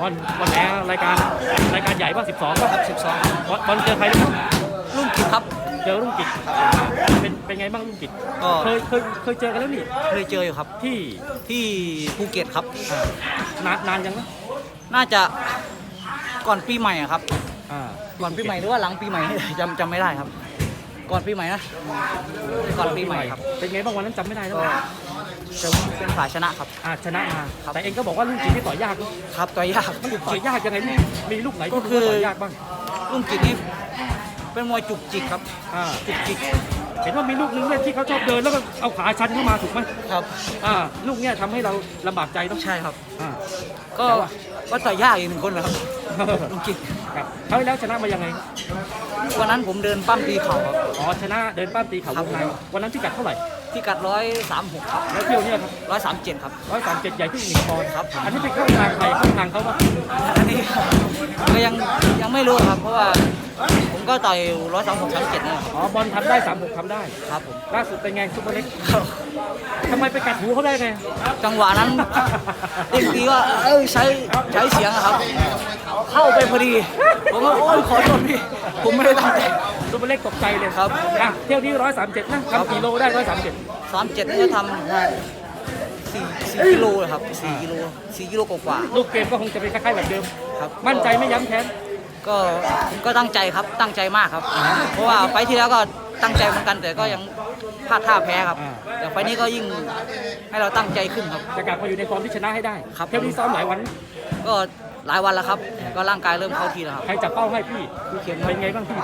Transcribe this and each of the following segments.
บอลแอร์รายการใหญ่ป่ะ12ป่ะ 12 บอลเจอใครนะครับรุ่งกิจครับเจอรุ่งกิจเป็นไงบ้างรุ่งกิจก็เคยเจอกันแล้วนี่เคยเจออยู่ครับที่ภูเก็ตครับนานยังนะน่าจะก่อนปีใหม่ครับก่อนปีใหม่หรือว่าหลังปีใหม่จำไม่ได้ครับก่อนปีใหม่นะก่อนปีใหม่ครับเป็นไงบ้างวันนั้นจำไม่ได้แล้วเป็นฝ่ายชนะครับชนะมาแต่เองก็บอกว่ารุ่งกิจที่ต่อยยากครับต่อยยากมันต่อยยากยังไงมีลูกไหนก็คือต่อยยากบ้างรุ่งกิจนี่เป็นมวยจุกจิกครับจุกจิกเห็นว่ามีลูกนึงเนี่ยที่เขาชอบเดินแล้วก็เอาขาชันเข้ามาถูกไหมครับลูกเนี่ยทำให้เราลำบากใจต้องใช่ครับก็ต่อยยากอีกหนึ่งคนนะครับรุ่งกิจครับเขาแล้วชนะมายังไงวันนั้นผมเดินปั้มตีเข่าครับชนะเดินปั้มตีเข่าวงในวันนั้นที่กัดเท่าไหร่ที่กัด136ครับแล้วเที่ยวเนี่ยครับ 137ครับ 137ใหญ่ขึ้น1 ปอนด์ครับอันนี้เป็นเข้าทางใครเข้าทางเขาปะอันนี้ก็ยังไม่รู้ครับเพราะว่าผมก็ต่อย136 37นี่บอลทำได้36ทำได้ครับผมล่าสุดเป็นไงซุปเปอร์เล็กทำไมไปกัดหูเขาได้ไงจังหวะนั้นเด็กดีว่าใช้เสียงครับเข้าไปพอดีผมว่าโอ้ยขอโทษพี่ผมไม่ได้ตั้งใจซุปเปอร์เล็กตกใจเลยครับเที่ยวนี้137นะทำกี่โลได้137 นี่ก็ทำ4 กิโลครับ4 กิโลกว่าลูกเกมก็คงจะเป็นคล้ายๆแบบเดิมครับมั่นใจไม่ย้ำแค้นก็ตั้งใจครับตั้งใจมากครับเพราะว่าไฟที่แล้วก็ตั้งใจเหมือนกันแต่ก็ยังพลาดท่าแพ้ครับแต่ไฟนี้ก็ยิ่งให้เราตั้งใจขึ้นครับจะกลับมาอยู่ในฟอร์มที่ชนะให้ได้ครับเที่ยวนี้ซ้อมหลายวันก็หลายวันแล้วครับก็ร่างกายเริ่มเข้าที่แล้วครับใครจับเป้าให้พี่เข็มเป็นไงบ้างพี่ไป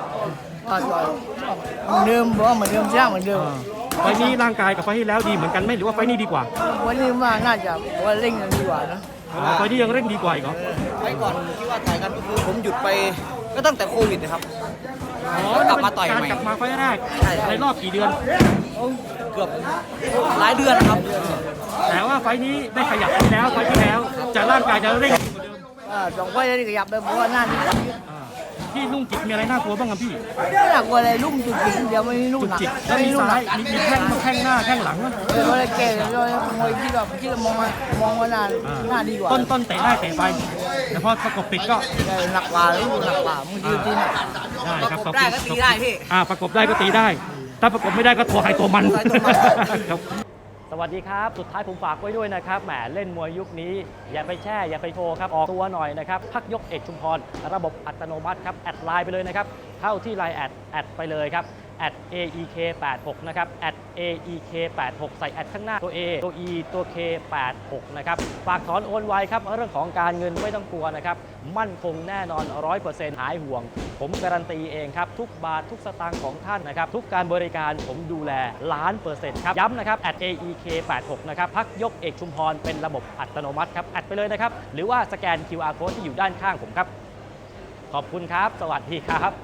เหมือนเดิมบอกว่าเหมือนเดิมใช่เหมือนเดิมไฟนี้ร่างกายกับไฟที่แล้วดีเหมือนกันไหมหรือว่าไฟนี้ดีกว่าวันนี้ว่าน่าจะว่าเร่งกันดีกว่านะไฟนี้ยังเร่งดีกว่าอีกเหรอไฟก่อนที่ว่าถ่ายกันก็คือผมหยุดไปก็ตั้งแต่โควิดนะครับกลับมาต่อยใหม่กลับมาไฟแรกในรอบกี่เดือนเกือบหลายเดือนครับแต่ว่าไฟนี้ได้ขยับไปแล้วไฟที่แล้วจะร่างกายจะเร่ง 2 ไฟได้ขยับไปเพราะว่าหน้าที่พี่ลุ่งจิตมีอะไรน่ากลัวบ้างครับพี่ไม่น่ากลัวอะไรลุ่มจุกจิกเดี๋ยวไม่ลุ่มหนักแล้วมีซ้ายมีแข้งหน้าแข้งหลังเราเลยเก่งเรามวยที่เรามองว่าหน้าดีกว่าต้นเตะได้เตะไปแต่พอประกบปิดก็หนักกว่าลุ่มหนักกว่ามึงยืนตีน่ะได้ครับประกบได้ก็ตีได้พี่ประกบได้ก็ตีได้ถ้าประกบไม่ได้ก็ตัวใครตัวมันสวัสดีครับสุดท้ายผมฝากไว้ด้วยนะครับแหมเล่นมวยยุคนี้อย่าไปแช่อย่าไปโชว์ครับออกตัวหน่อยนะครับพักยกเอกชุมพรระบบอัตโนมัติครับแอดไลน์ไปเลยนะครับเข้าที่ไลน์แอดไปเลยครับ@aek86 นะครับ@aek86 ใส่แอดข้างหน้าตัว A ตัว E ตัว K86 นะครับฝากถอนโอนไวครับเรื่องของการเงินไม่ต้องกลัวนะครับมั่นคงแน่นอน 100% หายห่วงผมการันตีเองครับทุกบาททุกสตางค์ของท่านนะครับทุกการบริการผมดูแล1,000,000%ครับย้ำนะครับ@aek86 นะครับพักยกเอกชุมพรเป็นระบบอัตโนมัติครับแอดไปเลยนะครับหรือว่าสแกน QR Code ที่อยู่ด้านข้างผมครับขอบคุณครับสวัสดีครับ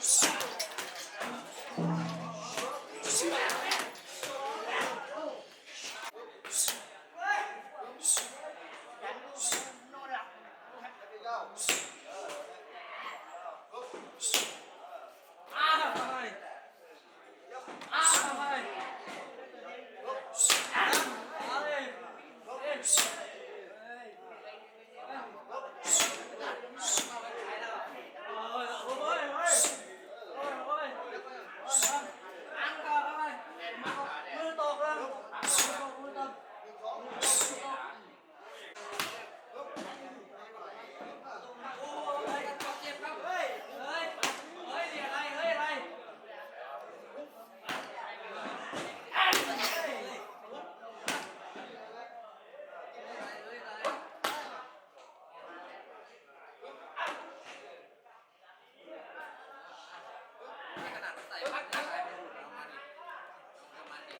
ขนาดใส่